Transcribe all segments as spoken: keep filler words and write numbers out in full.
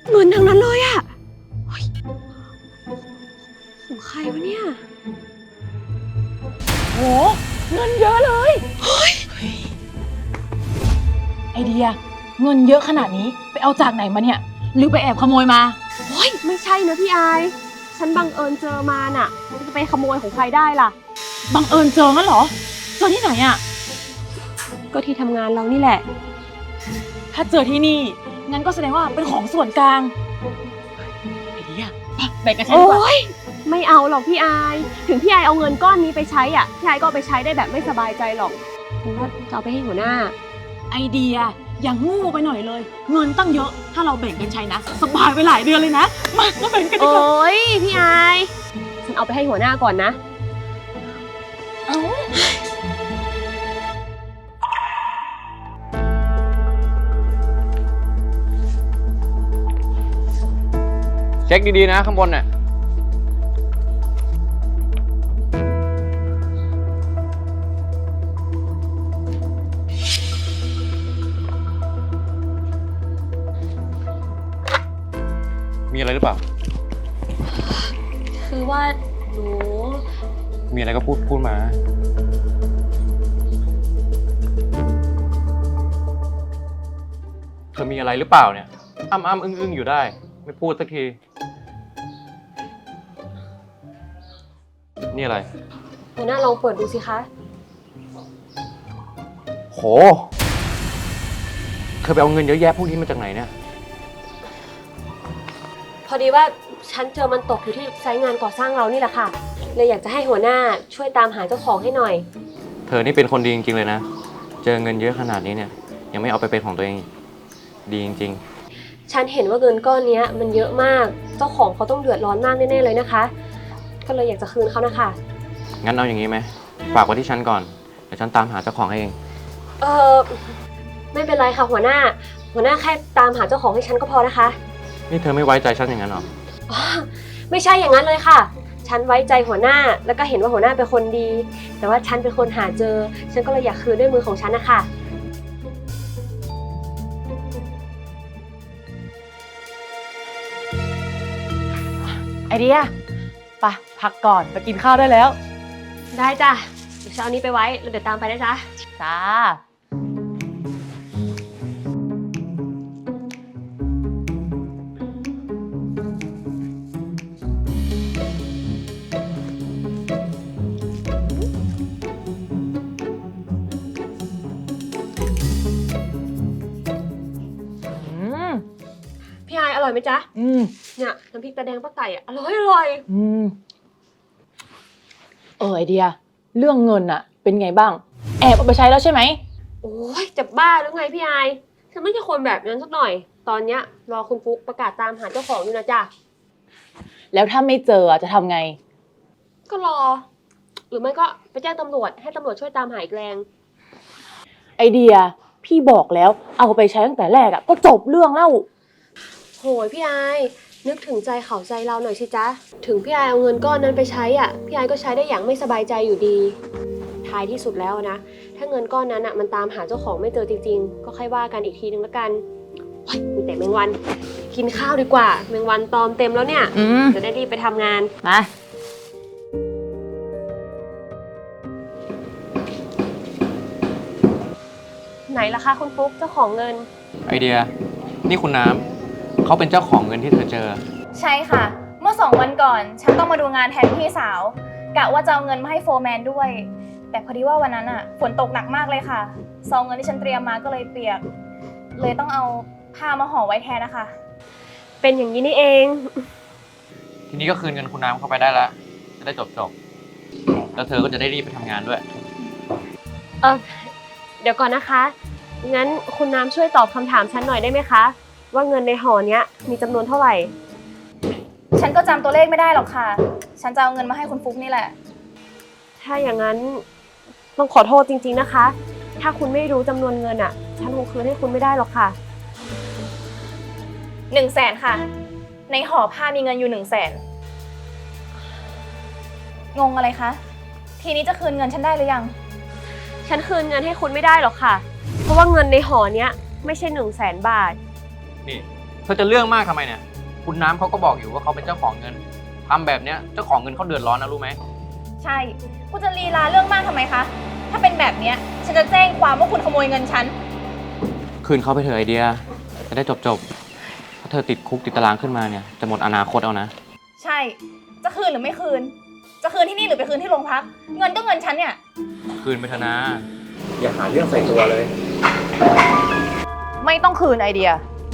เงินทั้งนั้นเลยอะของใครวะเนี่ยโหเงินเยอะเลยเฮ้ยไอเดียเงินเยอะขนาดนี้ไปเอาจากไหนมาเนี่ยหรือไปแอบขโมยมาโอ้ยไม่ใช่นะพี่อายฉันบังเอิญเจอมาน่ะจะไปขโมยของใครได้ล่ะบังเอิญเจองั้นเหรอเจอที่ไหนอะก็ที่ทำงานเรานี่แหละถ้าเจอที่นี่งั้นก็แสดงว่าเป็นของส่วนกลางไอเดียแบ่งกันใช้ดีกว่าไม่เอาหรอกพี่อายถึงพี่อายเอาเงินก้อนนี้ไปใช้อ่ะพี่อายก็เอาไปใช้ได้แบบไม่สบายใจหรอกฉันว่าจะเอาไปให้หัวหน้าไอเดียอย่างงูไปหน่อยเลยเงินตั้งเยอะถ้าเราแบ่งกันใช้นะสบายไปหลายเดือนเลยนะมามาแบ่งกันดีกว่าโอ้ยพี่อายฉันเอาไปให้หัวหน้าก่อนนะเอ้าเช็คดีๆนะข้างบนน่ะมีอะไรหรือเปล่าคือว่าหนูมีอะไรก็พูดพูดมาเธอมีอะไรหรือเปล่าเนี่ยอ้ำอ้ำอึ้งอึ้งอยู่ได้ไม่พูดสักทีนี่อะไรหัวหน้าลองเปิดดูสิคะโหเธอไปเอาเงินเยอะแยะพวกนี้มาจากไหนเนี่ยพอดีว่าฉันเจอมันตกอยู่ที่ไซต์งานก่อสร้างเรานี่แหละค่ะเลยอยากจะให้หัวหน้าช่วยตามหาเจ้าของให้หน่อยเธอนี่เป็นคนดีจริงๆเลยนะเจอเงินเยอะขนาดนี้เนี่ยยังไม่เอาไปเป็นของตัวเองดีจริงๆฉันเห็นว่าเงินก้อนนี้มันเยอะมากเจ้าของเขาต้องเดือดร้อนมากแน่ๆเลยนะคะก็เลยอยากจะคืนเขานะคะงั้นเอาอย่างนี้ไหมฝากไว้ที่ฉันก่อนเดี๋ยวฉันตามหาเจ้าของให้เองเออไม่เป็นไรค่ะหัวหน้าหัวหน้าแค่ตามหาเจ้าของให้ฉันก็พอนะคะนี่เธอไม่ไว้ใจฉันอย่างนั้นหรอไม่ใช่อย่างนั้นเลยค่ะฉันไว้ใจหัวหน้าแล้วก็เห็นว่าหัวหน้าเป็นคนดีแต่ว่าฉันเป็นคนหาเจอฉันก็เลยอยากคืนด้วยมือของฉันนะคะไอเดียไปพักก่อนไปกินข้าวได้แล้วได้จ้ะเดี๋ยวเช้านี้ไปไว้แล้วเดี๋ยวตามไปนะจ๊ะจ้าพี่ไออร่อยไหมจ๊ะอืมเนี่ยน้ำพริกตาแดงป้าไก่อ่ะอร่อยอร่อยอืมเออไอเดียเรื่องเงินอะเป็นไงบ้างแอบเอาไปใช้แล้วใช่ไหมโอ้ยจะบ้าหรือไงพี่ไอฉันไม่ใช่คนแบบนั้นสักหน่อยตอนเนี้ยรอคุณฟุ๊กประกาศตามหาเจ้าของอยู่นะจ๊ะแล้วถ้าไม่เจอจะทำไงก็รอหรือไม่ก็ไปแจ้งตำรวจให้ตำรวจช่วยตามหาอีกแรงไอเดียพี่บอกแล้วเอาไปใช้ตั้งแต่แรกอะก็จบเรื่องแล้วโหยพี่ไอนึกถึงใจเขาใจเราหน่อยสิจ๊ะถึงพี่ไอเอาเงินก้อนนั้นไปใช้อ่ะพี่ไอก็ใช้ได้อย่างไม่สบายใจอยู่ดีท้ายที่สุดแล้วนะถ้าเงินก้อนนั้นอ่ะมันตามหาเจ้าของไม่เจอจริงๆก็ค่อยว่ากันอีกทีนึงละกันโอ้ยมีแต่แมงวันกินข้าวดีกว่าแมงวันตอมเต็มแล้วเนี่ยจะได้รีบไปทำงานมาไหนล่ะคะคุณฟุ๊กเจ้าของเงินไอเดียนี่คุณน้ำเขาเป็นเจ้าของเงินที่เธอเจอใช่ค่ะเมื่อสองวันก่อนฉันต้องมาดูงานแทนพี่สาวกะว่าจะเอาเงินมาให้โฟร์แมนด้วยแต่พอดีว่าวันนั้นอ่ะฝนตกหนักมากเลยค่ะซองเงินที่ฉันเตรียมมาก็เลยเปียกเลยต้องเอาผ้ามาห่อไว้แทนนะคะเป็นอย่างนี้นี่เองทีนี้ก็คืนเงินคุณน้ำเข้าไปได้แล้วจะได้จบจบแล้วเธอก็จะได้รีบไปทำงานด้วยเออเดี๋ยวก่อนนะคะงั้นคุณน้ำช่วยตอบคำถามฉันหน่อยได้ไหมคะว่าเงินในห่อเนี้ยมีจำนวนเท่าไหร่ฉันก็จำตัวเลขไม่ได้หรอกค่ะฉันจะเอาเงินมาให้คุณฟุ๊กนี่แหละถ้าอย่างนั้นต้องขอโทษจริงๆนะคะถ้าคุณไม่รู้จำนวนเงินอ่ะฉันคงคืนให้คุณไม่ได้หรอกค่ะหนึ่งแสนค่ะในห่อผ้ามีเงินอยู่หนึ่งแสนงงอะไรคะทีนี้จะคืนเงินฉันได้หรือยังฉันคืนเงินให้คุณไม่ได้หรอกค่ะเพราะว่าเงินในห่อเนี้ยไม่ใช่หนึ่งแสนบาทนี่เธอจะเรื่องมากทำไมเนี่ย คุณน้ำเขาก็บอกอยู่ว่าเขาเป็นเจ้าของเงินทำแบบเนี้ยเจ้าของเงินเขาเดือดร้อนนะรู้ไหมใช่คุณจะลีลาเรื่องมากทำไมคะ ถ้าเป็นแบบเนี้ยฉันจะแจ้งความว่าคุณขโมยเงินฉันคืนเขาไปเถอะไอเดีย จะได้จบจบๆถ้าเธอติดคุกติดตารางขึ้นมาเนี่ยจะหมดอนาคตเอานะใช่ จะคืนหรือไม่คืน จะคืนที่นี่หรือไปคืนที่โรงพัก เงินก็เงินฉันเนี่ยคืนไปเถอะนะ อย่าหาเรื่องใส่ตัวเลยไม่ต้องคืนไอเดีย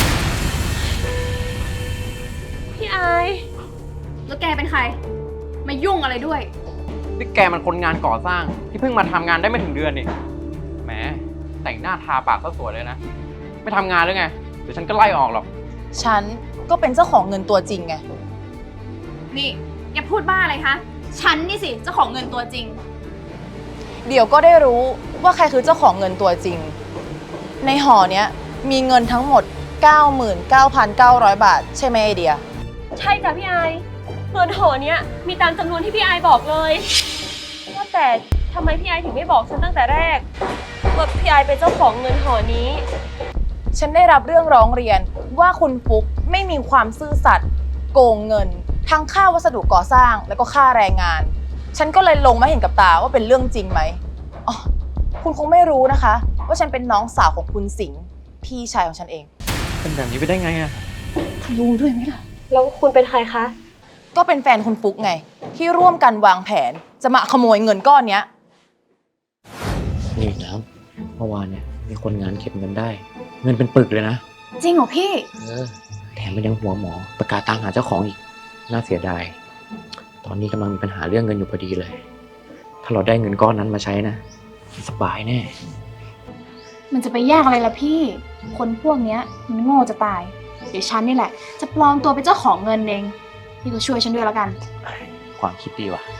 พี่ไอายแล้วแกเป็นใคร มายุ่งอะไรด้วยนี่แกมันคนงานก่อสร้างที่เพิ่งมาทำงานได้ไม่ถึงเดือนนี่แหมแต่งหน้าทาปากซะสวยเลยนะ ไม่ทำงานหรือไงเดี๋ยวฉันก็ไล่ออกหรอกฉันก็เป็นเจ้าของเงินตัวจริงไงนี่แกพูดบ้าอะไรคะ ฉันนี่สิเจ้าของเงินตัวจริงเดี๋ยวก็ได้รู้ว่าใครคือเจ้าของเงินตัวจริง ในห่อเนี้ยมีเงินทั้งหมด เก้าหมื่นเก้าพันเก้าร้อย บาท ใช่ไหมไอเดียใช่จ้ะพี่ไอายเงินห่อเนี้ยมีตามจำนวนที่พี่ไอายบอกเลยว่าแต่ทำไมพี่ไอายถึงไม่บอกฉันตั้งแต่แรกว่าพี่ไอายเป็นเจ้าของเงินห่อนี้ฉันได้รับเรื่องร้องเรียนว่าคุณฟุกไม่มีความซื่อสัตย์โกงเงิน ทั้งค่าวัสดุก่อสร้างแล้วก็ค่าแรงงาน ฉันก็เลยลงมาเห็นกับตาว่าเป็นเรื่องจริงไหมอ๋อคุณคงไม่รู้นะคะ ว่าฉันเป็นน้องสาวของคุณสิงห์พี่ชายของฉันเองเป็นแบบนี้ไปได้ไงอะรู้ด้วยไหมล่ะแล้วคุณเป็นใครคะก็เป็นแฟนคุณฟุกไง ที่ร่วมกันวางแผนจะมาขโมยเงินก้อนเนี้ยนี่น้ำเมื่อวานเนี่ยมีคนงานเก็บเงินได้ เงินเป็นปึกเลยนะจริงเหรอพี่เออแถมมันยังหัวหมอประกาศตามหาเจ้าของอีก น่าเสียดาย ตอนนี้กำลังมีปัญหาเรื่องเงินอยู่พอดีเลย ถ้าเราได้เงินก้อนนั้นมาใช้นะสบายแน่มันจะไปยากอะไรล่ะพี่ คนพวกเนี้ยมันโง่จะตาย เดี๋ยวฉันนี่แหละ จะปลอมตัวเป็นเจ้าของเงินเอง พี่ก็ช่วยฉันด้วยแล้วกันความคิดดีว่ะ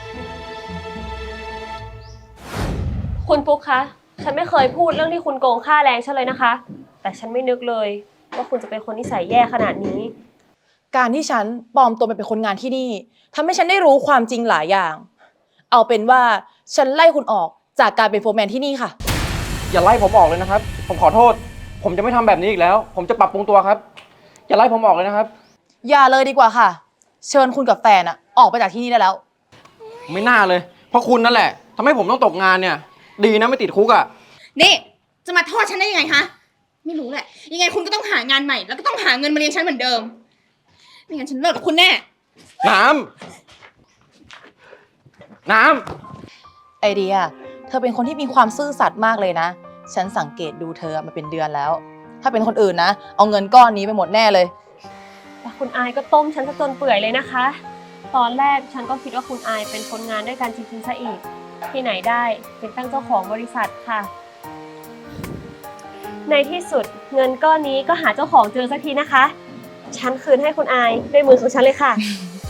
คุณปุ๊กคะ ฉันไม่เคยพูดเรื่องที่คุณโกงค่าแรงฉันเลยนะคะ แต่ฉันไม่นึกเลยว่าคุณจะเป็นคนนิสัยแย่ขนาดนี้การที่ฉันปลอมตัวไปเป็นคนงานที่นี่ทำให้ฉันได้รู้ความจริงหลายอย่าง เอาเป็นว่าฉันไล่คุณออกจากการเป็นโฟร์แมนที่นี่ค่ะอย่าไล่ผมออกเลยนะครับ ผมขอโทษ ผมจะไม่ทำแบบนี้อีกแล้ว ผมจะปรับปรุงตัวครับ อย่าไล่ผมออกเลยนะครับอย่าเลยดีกว่าค่ะ เชิญคุณกับแฟนอะออกไปจากที่นี่ได้แล้วไม่น่าเลย เพราะคุณนั่นแหละทำให้ผมต้องตกงานเนี่ย ดีนะไม่ติดคุกอ่ะนี่จะมาโทษฉันได้ยังไงคะไม่รู้แหละ ยังไงคุณก็ต้องหางานใหม่ แล้วก็ต้องหาเงินมาเลี้ยงฉันเหมือนเดิมไม่งั้นฉันเลิกกับคุณแน่น้ำ น้ำไอเดีย เธอเป็นคนที่มีความซื่อสัตย์มากเลยนะ ฉันสังเกตดูเธอมาเป็นเดือนแล้ว ถ้าเป็นคนอื่นนะ เอาเงินก้อนนี้ไปหมดแน่เลยแต่คุณอายก็ต้มฉันซะจนเปื่อยเลยนะคะ ตอนแรกฉันก็คิดว่าคุณอายเป็นคนงานด้วยกันจริงๆซะอีก ที่ไหนได้เป็นตั้งเจ้าของบริษัทค่ะ ในที่สุดเงินก้อนนี้ก็หาเจ้าของเจอสักทีนะคะ ฉันคืนให้คุณอายด้วยมือของฉันเลยค่ะ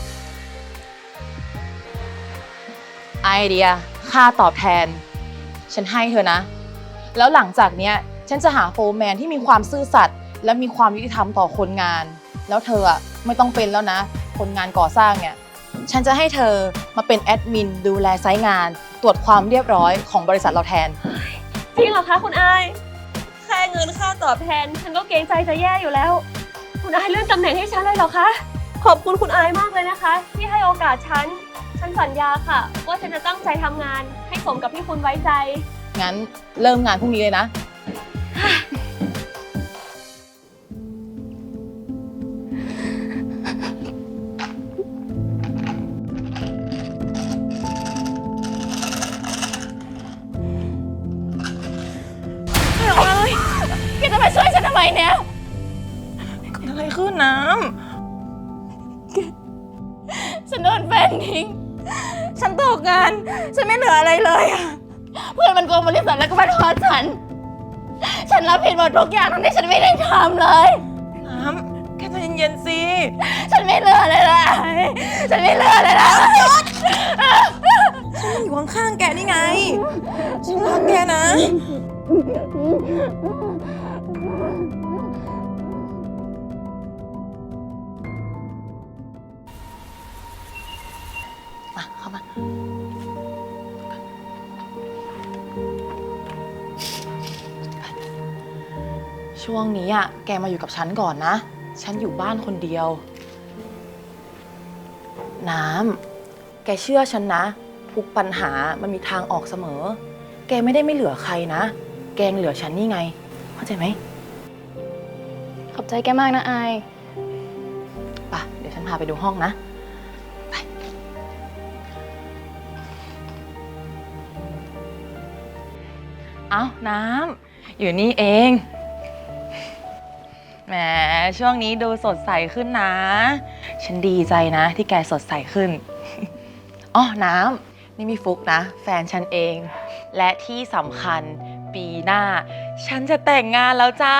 ไอเดีย ค่าตอบแทน ฉันให้เธอนะ แล้วหลังจากเนี้ย ฉันจะหาโฟร์แมนที่มีความซื่อสัตย์และมีความยุติธรรมต่อคนงาน แล้วเธออะไม่ต้องเป็นแล้วนะ คนงานก่อสร้างเนี่ย ฉันจะให้เธอมาเป็นแอดมินดูแลไซต์งาน ตรวจความเรียบร้อยของบริษัทเราแทนจริงเหรอคะคุณอาย แค่เงินค่าตอบแทน ฉันก็เกรงใจจะแย่อยู่แล้ว คุณอายเลื่อนตำแหน่งให้ฉันเลยเหรอคะ ขอบคุณคุณอายมากเลยนะคะ ที่ให้โอกาสฉัน ฉันสัญญาค่ะ ว่าฉันจะตั้งใจทำงาน ให้สมกับที่คุณไว้ใจงั้นเริ่มงานพรุ่งนี้เลยนะแกจะมาช่วยฉันทำไมเนี่ยเกิดอะไรขึ้นน้ฉันโดนแฟนทิ้ง ฉันตกงาน ฉันไม่เหลืออะไรเลยอะเพื่อนมันโกงบริษัทแล้วก็มาทอดฉัน ฉันรับผิดหมดทุกอย่างทั้งที่ฉันไม่ได้ทำเลยำน้ำแกใจเย็นๆสิฉันไม่เหลืออะไรเลย ฉันไม่เหลืออะไรเลยฉันอยู่ข้างๆแกนี่ไง ฉันรักแกนะ มาเข้ามา ช่วงนี้อ่ะ แกมาอยู่กับฉันก่อนนะฉันอยู่บ้านคนเดียว น้ำ แกเชื่อฉันนะ ทุกปัญหามันมีทางออกเสมอ แกไม่ได้ไม่เหลือใครนะ แกยังเหลือฉันนี่ไง เข้าใจไหมขอบใจแกมากนะอายป่ะ เดี๋ยวฉันพาไปดูห้องนะ ไป เอ้า น้ำ อยู่นี่เอง แหม ช่วงนี้ดูสดใสขึ้นนะ ฉันดีใจนะที่แกสดใสขึ้น อ๋อ น้ำ นี่มีฟุกนะ แฟนฉันเอง และที่สำคัญปีหน้า ฉันจะแต่งงานแล้วจ้า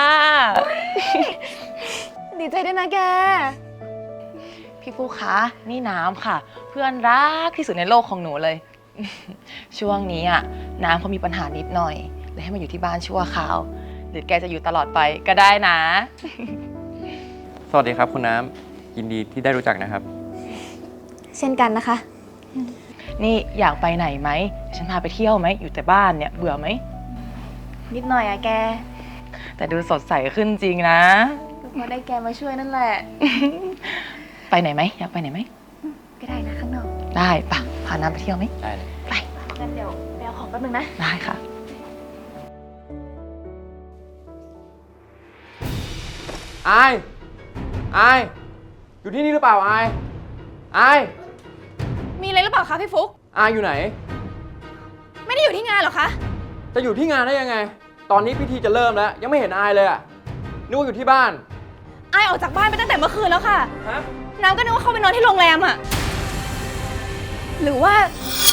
ดีใจด้วยนะแกพี่ฟุกคะ นี่น้ำค่ะ เพื่อนรักที่สุดในโลกของหนูเลย ช่วงนี้อ่ะน้ำเขามีปัญหานิดหน่อยเลยให้มาอยู่ที่บ้านชั่วคราว หรือแกจะอยู่ตลอดไปก็ได้นะสวัสดีครับคุณน้ำ ยินดีที่ได้รู้จักนะครับเช่นกันนะคะนี่อยากไปไหนไหม ฉันพาไปเที่ยวไหม อยู่แต่บ้านเนี่ยเบื่อไหมนิดหน่อยอะแกแต่ดูสดใสขึ้นจริงนะเพราะได้แกมาช่วยนั่นแหละไปไหนไหม อยากไปไหนไหมก็ได้นะข้างนอกได้ปะพาน้ำไปเที่ยวไหมได้เลยไปงั้นเดี๋ยวไปเอาของแป๊บนึงนะได้ค่ะอาย อาย อยู่ที่นี่หรือเปล่าอาย อายมีอะไรหรือเปล่าคะพี่ฟุกอายอยู่ไหนไม่ได้อยู่ที่งานเหรอคะจะอยู่ที่งานได้ยังไง ตอนนี้พิธีจะเริ่มแล้ว ยังไม่เห็นอายเลยอะนึกว่าอยู่ที่บ้านไอายออกจากบ้านไปตั้งแต่เมื่อคืนแล้วค่ะฮะน้ำก็นึกว่าเขาไปนอนที่โรงแรมอะหรือว่า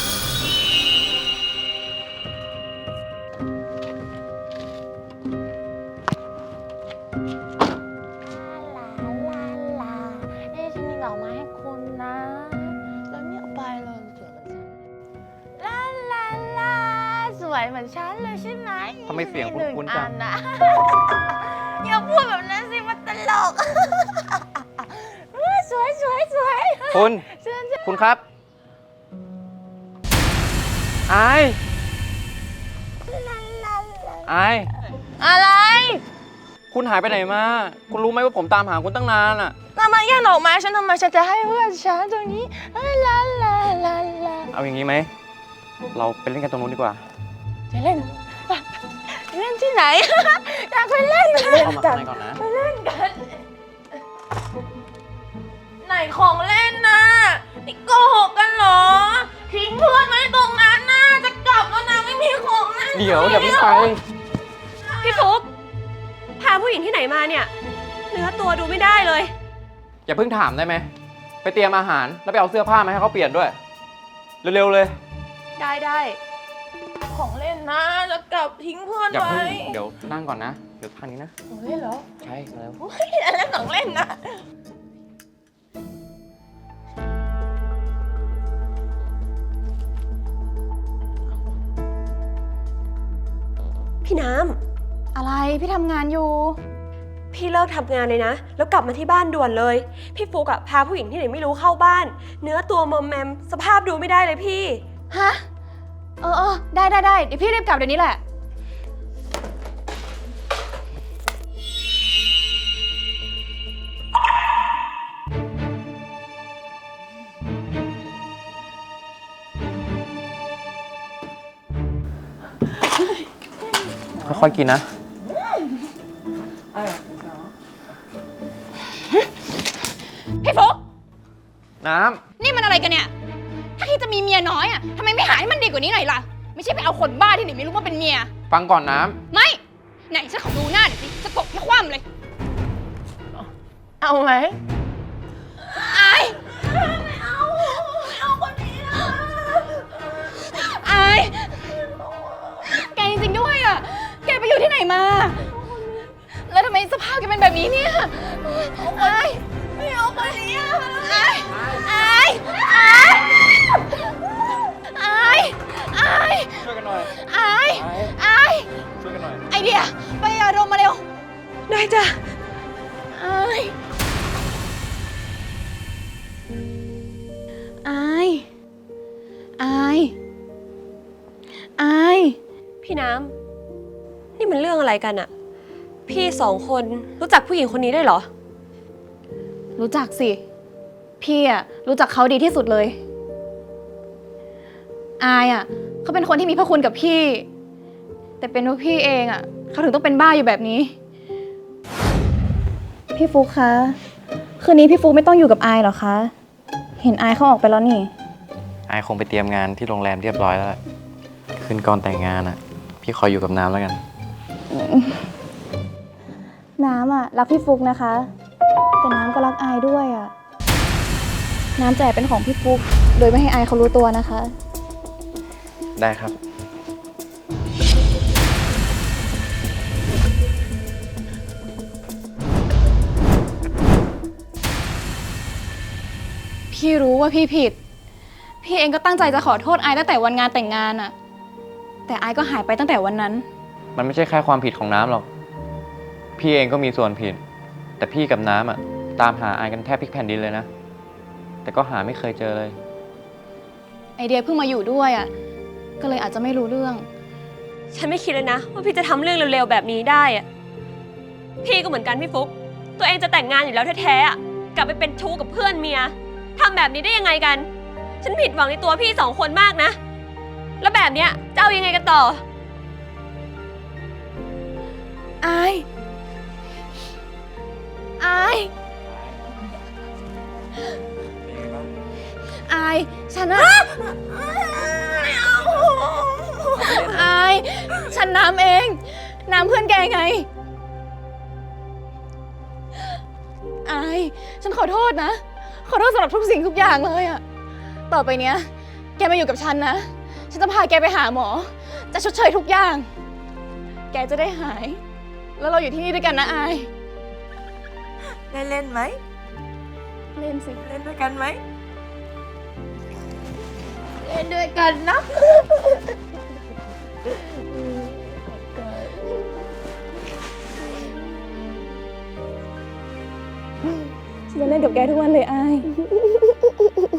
ลาลาเอ๊ะฉันมีดอกไม้ให้คุณนะ แล้วเนี่ยเอาไปเลยสวยเหมือนฉันลาลาลาสวยเหมือนฉันเลยใช่ไหมทำไมเสียงคุ้นๆจังมีหนึ่อันะ อย่าพูดแบบนั้นสิมันตลก สวยสวยสวยคุณเชิญเชิญคุณครับ อาย อายอะไรคุณหายไปไหนมา คุณรู้ไหมว่าผมตามหาคุณตั้งนานอะทำไมแย่งดอกไม้ฉันทำไมฉันจะให้เพื่อนฉันตรงนี้ลาลาลาลาลาเอาอย่างนี้ไหม เราไปเล่นกันตรงนู้นดีกว่าจะเล่นไปเล่นที่ไหน อยากไปเล่นเล่นเข้ามากัข้าน งในก่อนนะไหนของเล่นนะนี่โกหกกันเหรอ ทิ้งเพื่อนไว้ตรงนั้นนะจะกลับแล้วนะไม่มีของเล่นเดี๋ยวอย่าเพิ่งไปพี่ฟุกพาผู้หญิงที่ไหนมาเนี่ย เนื้อตัวดูไม่ได้เลยอย่าเพิ่งถามได้ไหม ไปเตรียมอาหารแล้วไปเอาเสื้อผ้ามาให้เขาเปลี่ยนด้วย เร็วๆเลยได้ได้ของเล่นนะจะกลับทิ้งเพื่อนอย่าไว้เพิ่งเดี๋ยวนั่งก่อนนะ เดี๋ยวทางนี้นะของเล่นเหรอใช่แล้วอันนั้นของเล่นนะพี่น้อะไรพี่ทำงานอยู่ำพี่เลิกทำงานเลยนะ แล้วกลับมาที่บ้านด่วนเลย พี่ฟุกอะพาผู้หญิงที่ไหนไม่รู้เข้าบ้าน เนื้อตัวมอมแมมสภาพดูไม่ได้เลยพี่ฮะ เออเออได้ได้ได้เดี๋ยวพี่รีบกลับเดี๋ยวนี้แหละค่อยๆกินนะพี่ฟุกน้นี่มันอะไรกันเนี่ย ถ้าที่จะมีเมียน้อยอะทำไมไม่หาให้มันดีกว่านี้หน่อยล่ะ ไม่ใช่ไปเอาคนบ้าที่ไหนไม่รู้มาเป็นเมียำฟังก่อนน้ไม่ ไหนฉันขอดูหน้าหน่อยสิจะตบให้คว่ำเลยเอาไหมอายไม่เอา ไม่เอาคนนี้นะอาย แกจริงๆด้วยอ่ะ แกไปอยู่ที่ไหนมา แล้วทำไมสภาพแกเป็นแบบนี้เนี่ยอายไม่เอาคนนี้อ่ะอายอายอายอายอายำช่วยกันหน่อยอายไอ้อายช่วยกันหน่อยไอเดีย ไปอารมณ์มาเร็วได้จ้ะอายอายอายอายพี่น้ำนี่มันเรื่องอะไรกันอะพี่สองคนรู้จักผู้หญิงคนนี้ได้วยเหรอรู้จักสิ พี่อะรู้จักเขาดีที่สุดเลย อายอะเขาเป็นคนที่มีพระคุณกับพี่ แต่เป็นเพราะพี่เองอะเขาถึงต้องเป็นบ้าอยู่แบบนี้ พี่ฟุกคะ คืนนี้พี่ฟุกไม่ต้องอยู่กับอายหรอคะ เห็นอายเขาออกไปแล้วนี่ไอคงไปเตรียมงานที่โรงแรมเรียบร้อยแล้ว คืนก่อนแต่งงานอ่ะ พี่คอยอยู่กับน้ำแล้วกันน้ำอะรักพี่ฟุกนะคะ แต่น้ำก็รักอายด้วยอะน้ำจะแอบเป็นของพี่ฟุก โดยไม่ให้อายเขารู้ตัวนะคะได้ครับพี่รู้ว่าพี่ผิด พี่เองก็ตั้งใจจะขอโทษอายตั้งแต่วันงานแต่งงานอะแต่อายก็หายไปตั้งแต่วันนั้นมันไม่ใช่แค่ความผิดของน้ำหรอก พี่เองก็มีส่วนผิด แต่พี่กับน้ำอ่ะ ตามหาไอกันแทบพลิกแผ่นดินเลยนะ แต่ก็หาไม่เคยเจอเลยไอเดียเพิ่งมาอยู่ด้วยอะก็เลยอาจจะไม่รู้เรื่องฉันไม่คิดเลยนะว่าพี่จะทำเรื่องเร็วๆแบบนี้ได้อะพี่ก็เหมือนกันพี่ฟุก ตัวเองจะแต่งงานอยู่แล้วแท้ๆอะกลับไปเป็นชู้กับเพื่อนเมียทำแบบนี้ได้ยังไงกัน ฉันผิดหวังในตัวพี่สองคนมากนะ แล้วแบบเนี้ยจะเอายังไงกันต่ออาย อาย อาย ฉันอะไม่เอาอาย ฉันน้ำเอง น้ำเพื่อนแกไง อาย ฉันขอโทษนะ ขอโทษสำหรับทุกสิ่งทุกอย่างเลยอะต่อไปเนี้ย แกมาอยู่กับฉันนะ ฉันจะพาแกไปหาหมอ จะชดเชยทุกอย่าง แกจะได้หาย แล้วเราอยู่ที่นี่ด้วยกันนะอายได้เล่นไหมเล่นสิเล่นด้วยกันไหม เล่นด้วยกันนะฉันจะเล่นกับแกทุกวันเลยอาย